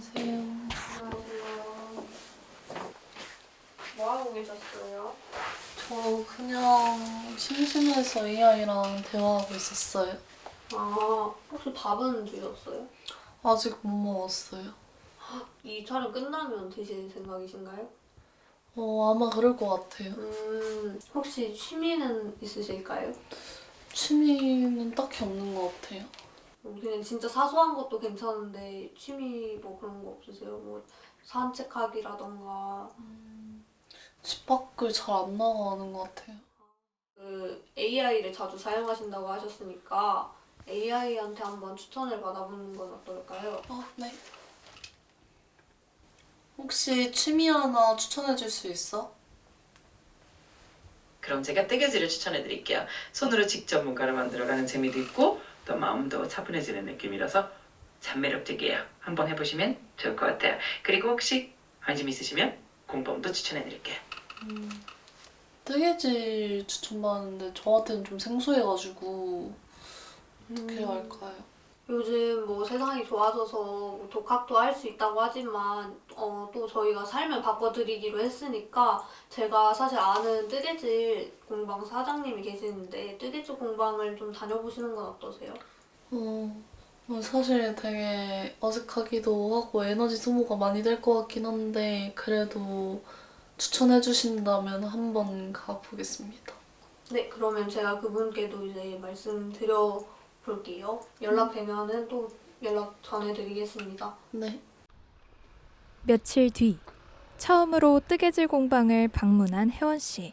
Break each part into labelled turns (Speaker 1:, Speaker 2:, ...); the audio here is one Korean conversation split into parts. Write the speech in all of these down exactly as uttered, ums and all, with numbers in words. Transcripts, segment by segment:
Speaker 1: 안녕하세요.
Speaker 2: 안녕하세요. 뭐 하고 계셨어요?
Speaker 1: 저 그냥 심심해서 에이아이랑 대화하고 있었어요.
Speaker 2: 아, 혹시 밥은 드셨어요?
Speaker 1: 아직 못 먹었어요.
Speaker 2: 이 촬영 끝나면 드실 생각이신가요?
Speaker 1: 어, 아마 그럴 것 같아요.
Speaker 2: 음, 혹시 취미는 있으실까요?
Speaker 1: 취미는 딱히 없는 것 같아요.
Speaker 2: 음, 그냥 진짜 사소한 것도 괜찮은데 취미 뭐 그런 거 없으세요? 뭐 산책하기라던가
Speaker 1: 집 밖을 잘 안 나가는 것 같아요.
Speaker 2: 그 에이아이를 자주 사용하신다고 하셨으니까 에이아이한테 한번 추천을 받아보는 건 어떨까요?
Speaker 1: 어, 네. 혹시 취미 하나 추천해 줄 수 있어?
Speaker 3: 그럼 제가 뜨개질을 추천해 드릴게요. 손으로 직접 뭔가를 만들어가는 재미도 있고 또 마음도 차분해지는 느낌이라서 참 매력적이에요. 한번 해보시면 좋을 것 같아요. 그리고 혹시 관심 있으시면 공범도 추천해 드릴게요.
Speaker 1: 음, 뜨개질 추천받았는데 저한테는 좀 생소해가지고 어떻게 해야 할까요?
Speaker 2: 요즘 뭐 세상이 좋아져서 뭐 독학도 할 수 있다고 하지만 어, 또 저희가 삶을 바꿔드리기로 했으니까 제가 사실 아는 뜨개질 공방 사장님이 계시는데 뜨개질 공방을 좀 다녀보시는 건 어떠세요?
Speaker 1: 어, 어, 사실 되게 어색하기도 하고 에너지 소모가 많이 될 것 같긴 한데 그래도 추천해 주신다면 한번 가보겠습니다.
Speaker 2: 네, 그러면 제가 그분께도 이제 말씀드려 볼게요. 연락되면은 또 연락 전해드리겠습니다.
Speaker 1: 네.
Speaker 4: 며칠 뒤 처음으로 뜨개질 공방을 방문한 혜원 씨.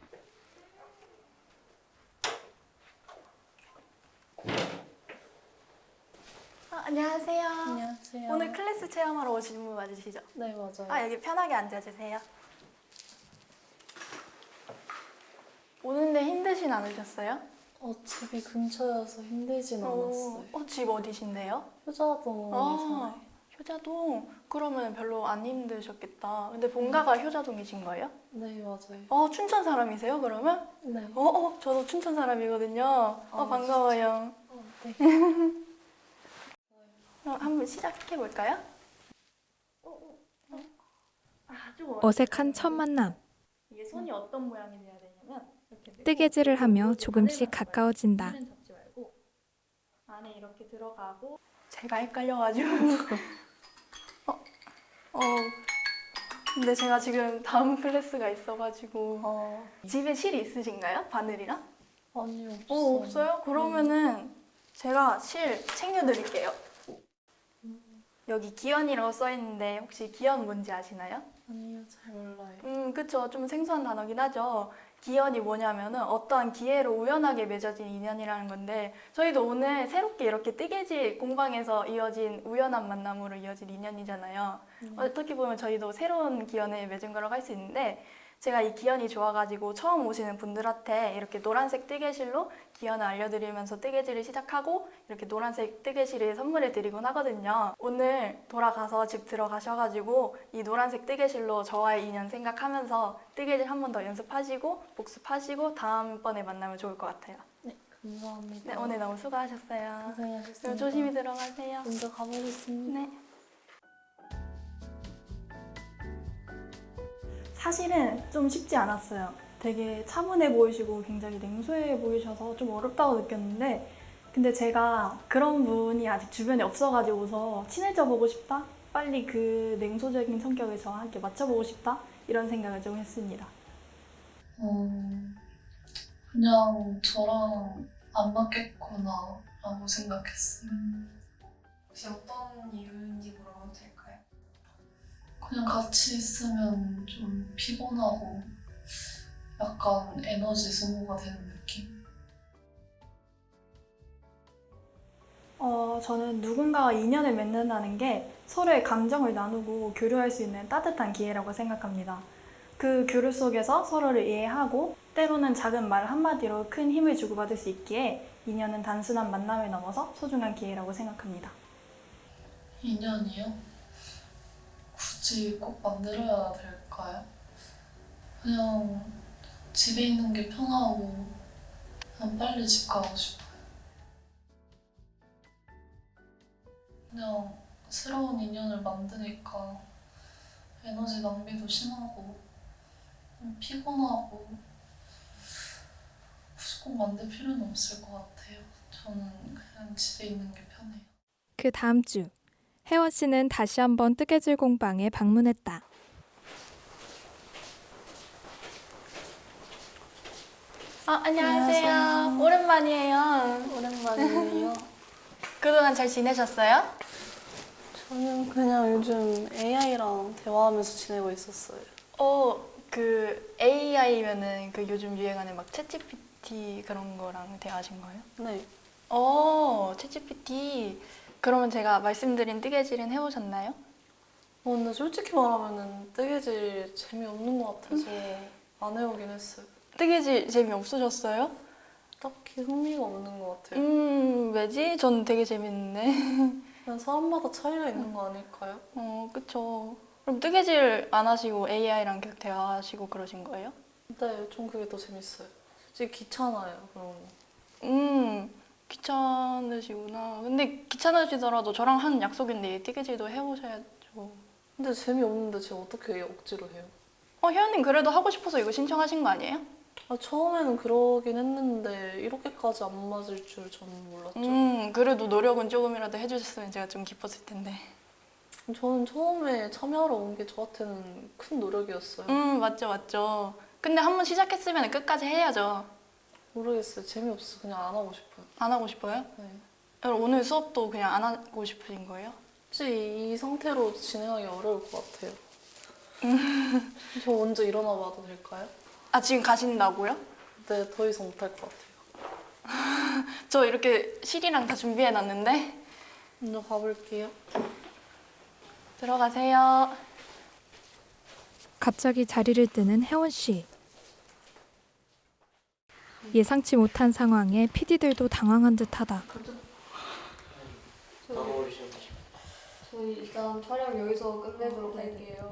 Speaker 5: 아, 안녕하세요.
Speaker 1: 안녕하세요.
Speaker 5: 오늘 클래스 체험하러 오신 분 맞으시죠?
Speaker 1: 네, 맞아요.
Speaker 5: 아, 여기 편하게 앉아주세요. 오는데 힘드신 않으셨어요?
Speaker 1: 어, 집이 근처여서 힘들진 않았어요.
Speaker 5: 어, 집 어디신데요?
Speaker 1: 효자동에
Speaker 5: 아,
Speaker 1: 살아요.
Speaker 5: 효자동. 그러면 별로 안 힘드셨겠다. 근데 본가가 효자동이신 거예요?
Speaker 1: 네, 맞아요.
Speaker 5: 어, 춘천 사람이세요, 그러면?
Speaker 1: 네.
Speaker 5: 어, 어, 저도 춘천 사람이거든요. 어,
Speaker 1: 아,
Speaker 5: 반가워요.
Speaker 1: 어, 네.
Speaker 5: 그럼 한번 시작해볼까요?
Speaker 4: 어색한 첫 만남.
Speaker 5: 이게 손이 어떤 모양이 돼야 되냐면 이렇게 되고
Speaker 4: 뜨개질을 하며
Speaker 5: 여기
Speaker 4: 조금씩
Speaker 5: 바늘만
Speaker 4: 가까워진다.
Speaker 5: 잡아요. 바늘은 잡지 말고 안에 이렇게 들어가고 제가 헷갈려가지고 어, 어 근데 제가 지금 다음 클래스가 있어가지고
Speaker 1: 어,
Speaker 5: 집에 실 있으신가요? 바늘이랑?
Speaker 1: 아니, 없어요.
Speaker 5: 어 없어요? 그러면은 제가 실 챙겨드릴게요. 여기 기연이라고 써있는데 혹시 기연 뭔지 아시나요?
Speaker 1: 아니요, 잘 몰라요.
Speaker 5: 음, 그쵸. 좀 생소한 단어긴 하죠. 기연이 뭐냐면은 어떠한 기회로 우연하게 맺어진 인연이라는 건데 저희도 오늘 새롭게 이렇게 뜨개질 공방에서 이어진 우연한 만남으로 이어진 인연이잖아요.
Speaker 1: 음.
Speaker 5: 어떻게 보면 저희도 새로운 기연을 맺은 거라고 할 수 있는데 제가 이 기연이 좋아가지고 처음 오시는 분들한테 이렇게 노란색 뜨개실로 기연을 알려드리면서 뜨개질을 시작하고 이렇게 노란색 뜨개실을 선물을 드리곤 하거든요. 오늘 돌아가서 집 들어가셔가지고 이 노란색 뜨개실로 저와의 인연 생각하면서 뜨개질 한 번 더 연습하시고 복습하시고 다음번에 만나면 좋을 것 같아요.
Speaker 1: 네, 감사합니다.
Speaker 5: 네, 오늘 너무 수고하셨어요.
Speaker 1: 고생하셨습니다.
Speaker 5: 그럼 조심히 들어가세요.
Speaker 1: 먼저 가보겠습니다.
Speaker 5: 네. 사실은 좀 쉽지 않았어요. 되게 차분해 보이시고 굉장히 냉소해 보이셔서 좀 어렵다고 느꼈는데 근데 제가 그런 분이 아직 주변에 없어가지고서 친해져 보고 싶다? 빨리 그 냉소적인 성격을 저와 함께 맞춰보고 싶다? 이런 생각을 좀 했습니다.
Speaker 1: 어, 그냥 저랑 안 맞겠구나 라고 생각했어요.
Speaker 6: 혹시 어떤 이유인지 물어봐도 될까요?
Speaker 1: 그냥 같이 있으면 좀 피곤하고 약간 에너지 소모가 되는 느낌?
Speaker 5: 어, 저는 누군가와 인연을 맺는다는 게 서로의 감정을 나누고 교류할 수 있는 따뜻한 기회라고 생각합니다. 그 교류 속에서 서로를 이해하고 때로는 작은 말 한마디로 큰 힘을 주고받을 수 있기에 인연은 단순한 만남을 넘어서 소중한 기회라고 생각합니다.
Speaker 1: 인연이요? 굳이 꼭 만들어야 될까요? 그냥 집에 있는 게 편하고 그냥 빨리 집 가고 싶어요. 그냥 새로운 인연을 만드니까 에너지 낭비도 심하고 좀 피곤하고 굳이 꼭 만들 필요는 없을 것 같아요. 저는 그냥 집에 있는 게 편해요.
Speaker 4: 그 다음 주 혜원 씨는 다시 한번 뜨개질 공방에 방문했다.
Speaker 5: 아, 안녕하세요.
Speaker 1: 안녕하세요.
Speaker 5: 오랜만이에요.
Speaker 1: 오랜만이에요.
Speaker 5: 그동안 잘 지내셨어요?
Speaker 1: 저는 그냥 요즘 에이아이랑 대화하면서 지내고 있었어요.
Speaker 5: 어, 그 에이아이면은 그 요즘 유행하는 막 챗지피티 그런 거랑 대화하신 거예요?
Speaker 1: 네.
Speaker 5: 어, 챗지피티. 그러면 제가 말씀드린 뜨개질은 해보셨나요?
Speaker 1: 어, 근데 솔직히 말하면은 뜨개질 재미없는 것 같아서 안 해오긴 했어요.
Speaker 5: 뜨개질 재미없으셨어요?
Speaker 1: 딱히 흥미가 없는 것 같아요.
Speaker 5: 음, 왜지? 전 되게 재밌는데.
Speaker 1: 그냥 사람마다 차이가 있는 거 아닐까요?
Speaker 5: 어, 그쵸. 그럼 뜨개질 안 하시고 에이아이랑 계속 대화하시고 그러신 거예요?
Speaker 1: 네, 좀 그게 더 재밌어요. 솔직히 귀찮아요, 그런 거.
Speaker 5: 음, 귀찮으시구나. 근데 귀찮으시더라도 저랑 한 약속인데 뜨개질도 해보셔야죠.
Speaker 1: 근데 재미없는데 제가 어떻게 억지로 해요?
Speaker 5: 어, 혜연님 그래도 하고 싶어서 이거 신청하신 거 아니에요?
Speaker 1: 아, 처음에는 그러긴 했는데 이렇게까지 안 맞을 줄 저는 몰랐죠.
Speaker 5: 음, 그래도 노력은 조금이라도 해주셨으면 제가 좀 기뻤을 텐데.
Speaker 1: 저는 처음에 참여하러 온 게 저한테는 큰 노력이었어요.
Speaker 5: 음, 맞죠, 맞죠. 근데 한 번 시작했으면 끝까지 해야죠.
Speaker 1: 모르겠어요. 재미없어. 그냥 안 하고 싶어요.
Speaker 5: 안 하고 싶어요?
Speaker 1: 네.
Speaker 5: 그럼 오늘 수업도 그냥 안 하고 싶으신 거예요?
Speaker 1: 혹시 이 상태로 진행하기 어려울 것 같아요. 저 먼저 일어나 봐도 될까요?
Speaker 5: 아, 지금 가신다고요?
Speaker 1: 네, 더 이상 못할 것 같아요.
Speaker 5: 저 이렇게 실이랑 다 준비해놨는데.
Speaker 1: 먼저 가볼게요.
Speaker 5: 들어가세요.
Speaker 4: 갑자기 자리를 뜨는 혜원 씨. 예상치 못한 상황에 피디들도 당황한 듯하다.
Speaker 2: 저희 일단 촬영 여기서 끝내도록 할게요.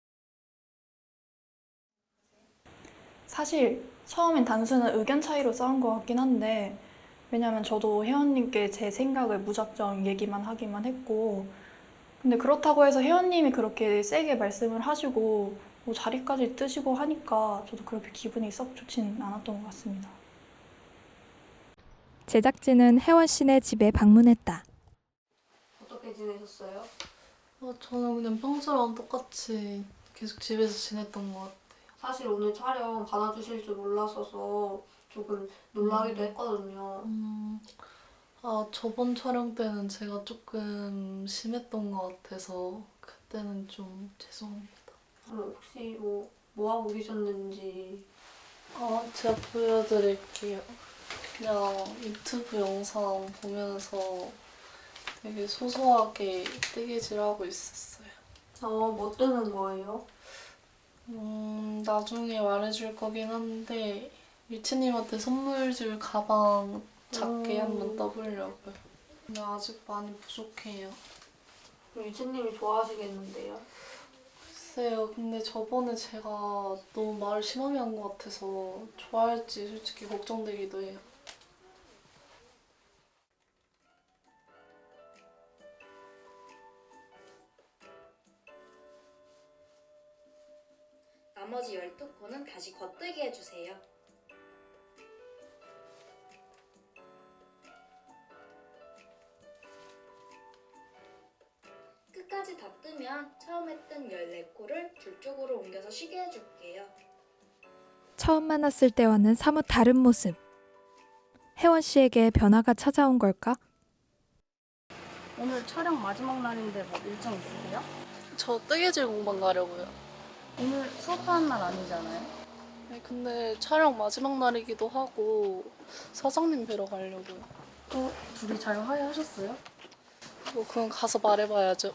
Speaker 5: 사실 처음엔 단순한 의견 차이로 싸운 것 같긴 한데 왜냐면 저도 혜원님께 제 생각을 무작정 얘기만 하기만 했고 근데 그렇다고 해서 혜원님이 그렇게 세게 말씀을 하시고 뭐 자리까지 뜨시고 하니까 저도 그렇게 기분이 썩 좋진 않았던 것 같습니다.
Speaker 4: 제작진은 혜원 씨네 집에 방문했다.
Speaker 2: 어떻게 지내셨어요?
Speaker 1: 어, 저는 그냥 평소랑 똑같이 계속 집에서 지냈던 것 같아요.
Speaker 2: 사실 오늘 촬영 받아주실 줄 몰랐어서 조금 놀라기도 했거든요.
Speaker 1: 음, 아, 저번 촬영 때는 제가 조금 심했던 것 같아서 그때는 좀 죄송합니다.
Speaker 2: 그럼 혹시 뭐, 뭐 하고 계셨는지.
Speaker 1: 아, 제가 보여드릴게요. 그냥 유튜브 영상 보면서 되게 소소하게 뜨개질하고 있었어요.
Speaker 2: 어, 뭐 뜨는 거예요?
Speaker 1: 음, 나중에 말해줄 거긴 한데 유치님한테 선물 줄 가방 작게
Speaker 2: 음.
Speaker 1: 한번 떠보려고요. 근데 아직 많이 부족해요.
Speaker 2: 그럼 유채님이 좋아하시겠는데요?
Speaker 1: 글쎄요, 근데 저번에 제가 너무 말을 심하게 한 것 같아서 좋아할지 솔직히 걱정되기도 해요.
Speaker 7: 나머지 열두 코는 다시 겉뜨기 해주세요. 끝까지 다 뜨면 처음에 뜬 열네 코를 둘 쪽으로 옮겨서 쉬게 해줄게요.
Speaker 4: 처음 만났을 때와는 사뭇 다른 모습. 혜원 씨에게 변화가 찾아온 걸까?
Speaker 8: 오늘 촬영 마지막 날인데 뭐 일정 있으세요?
Speaker 1: 저 뜨개질 공방 가려고요.
Speaker 8: 오늘 수업하는 날 아니잖아요?
Speaker 1: 네, 근데 촬영 마지막 날이기도 하고 사장님 뵈러 가려고요.
Speaker 8: 또 둘이 잘 화해하셨어요?
Speaker 1: 뭐 그건 가서 말해봐야죠.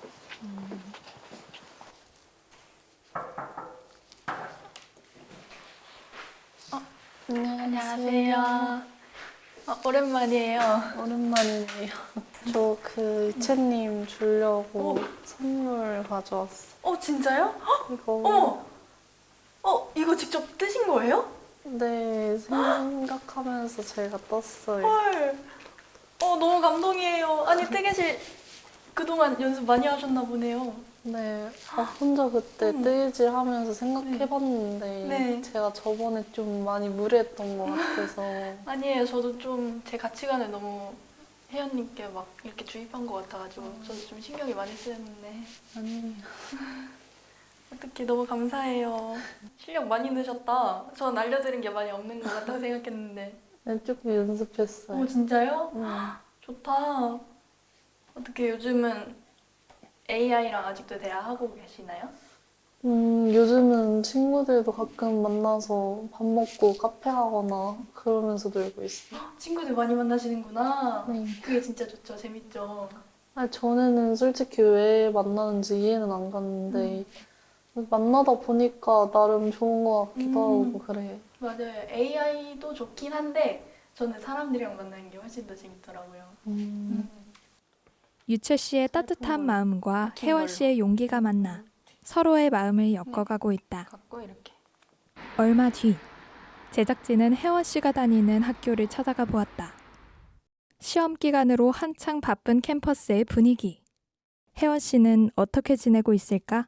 Speaker 5: 안녕하세요. 어, 오랜만이에요.
Speaker 1: 오랜만이네요. 저 그 이채님 주려고
Speaker 5: 오.
Speaker 1: 선물 가져왔어.
Speaker 5: 어, 진짜요?
Speaker 1: 이거
Speaker 5: 어머! 어, 이거 직접 뜨신 거예요?
Speaker 1: 네, 생각하면서 제가 떴어요.
Speaker 5: 헐. 어, 너무 감동이에요. 아니, 뜨개질 그동안 연습 많이 하셨나 보네요.
Speaker 1: 네, 아, 혼자 그때
Speaker 5: 음.
Speaker 1: 뜨개질 하면서 생각해봤는데
Speaker 5: 네.
Speaker 1: 제가 저번에 좀 많이 무리했던 것 같아서
Speaker 5: 아니에요. 저도 좀 제 가치관을 너무 혜연님께 막 이렇게 주입한 것 같아가지고 저도 좀 신경이 많이 쓰였는데
Speaker 1: 아니
Speaker 5: 어떻게 너무 감사해요. 실력 많이 느셨다. 전 알려드린 게 많이 없는 것 같다고 생각했는데.
Speaker 1: 네, 조금 연습했어요.
Speaker 5: 오 진짜요?
Speaker 1: 네.
Speaker 5: 좋다. 어떻게 요즘은 에이아이랑 아직도 대화하고 계시나요?
Speaker 1: 음, 요즘은 친구들도 가끔 만나서 밥 먹고 카페 가거나 그러면서 놀고 있어요.
Speaker 5: 친구들 많이 만나시는구나.
Speaker 1: 네.
Speaker 5: 그게 진짜 좋죠. 재밌죠.
Speaker 1: 아니, 전에는 솔직히 왜 만나는지 이해는 안 갔는데 만나다 보니까 나름 좋은 것 같기도
Speaker 5: 음.
Speaker 1: 하고 그래요.
Speaker 5: 맞아요. 에이아이도 좋긴 한데 저는 사람들이랑 만나는 게 훨씬 더 재밌더라고요.
Speaker 1: 음.
Speaker 4: 유채 씨의 따뜻한 마음과
Speaker 5: 박힌
Speaker 4: 혜원
Speaker 5: 걸로.
Speaker 4: 씨의 용기가 만나 서로의 마음을 엮어가고 있다.
Speaker 5: 갖고 이렇게.
Speaker 4: 얼마 뒤 제작진은 혜원 씨가 다니는 학교를 찾아가 보았다. 시험 기간으로 한창 바쁜 캠퍼스의 분위기. 혜원 씨는 어떻게 지내고 있을까?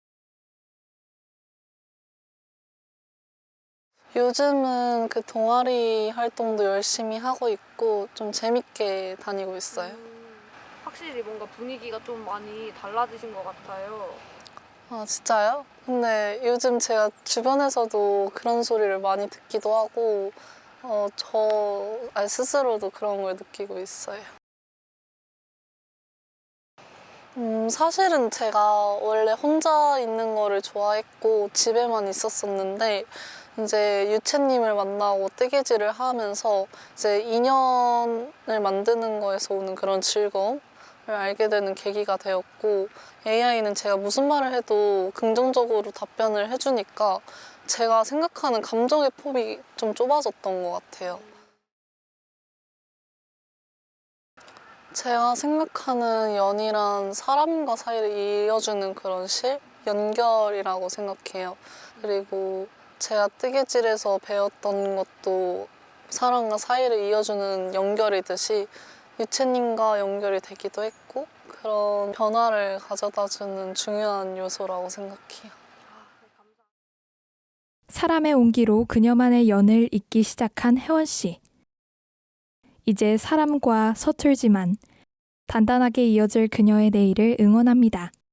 Speaker 1: 요즘은 그 동아리 활동도 열심히 하고 있고 좀 재밌게 다니고 있어요.
Speaker 2: 확실히 뭔가 분위기가 좀 많이 달라지신 것 같아요.
Speaker 1: 아, 진짜요? 근데 요즘 제가 주변에서도 그런 소리를 많이 듣기도 하고 어, 저 아니, 스스로도 그런 걸 느끼고 있어요. 음, 사실은 제가 원래 혼자 있는 거를 좋아했고 집에만 있었었는데 이제 유채님을 만나고 뜨개질을 하면서 이제 인연을 만드는 거에서 오는 그런 즐거움을 알게 되는 계기가 되었고 에이아이는 제가 무슨 말을 해도 긍정적으로 답변을 해주니까 제가 생각하는 감정의 폭이 좀 좁아졌던 것 같아요. 제가 생각하는 연이란 사람과 사이를 이어주는 그런 실? 연결이라고 생각해요. 그리고 제가 뜨개질에서 배웠던 것도 사람과 사이를 이어주는 연결이듯이 유채님과 연결이 되기도 했고 그런 변화를 가져다주는 중요한 요소라고 생각해요.
Speaker 4: 사람의 온기로 그녀만의 연을 잇기 시작한 혜원 씨. 이제 사람과 서툴지만 단단하게 이어질 그녀의 내일을 응원합니다.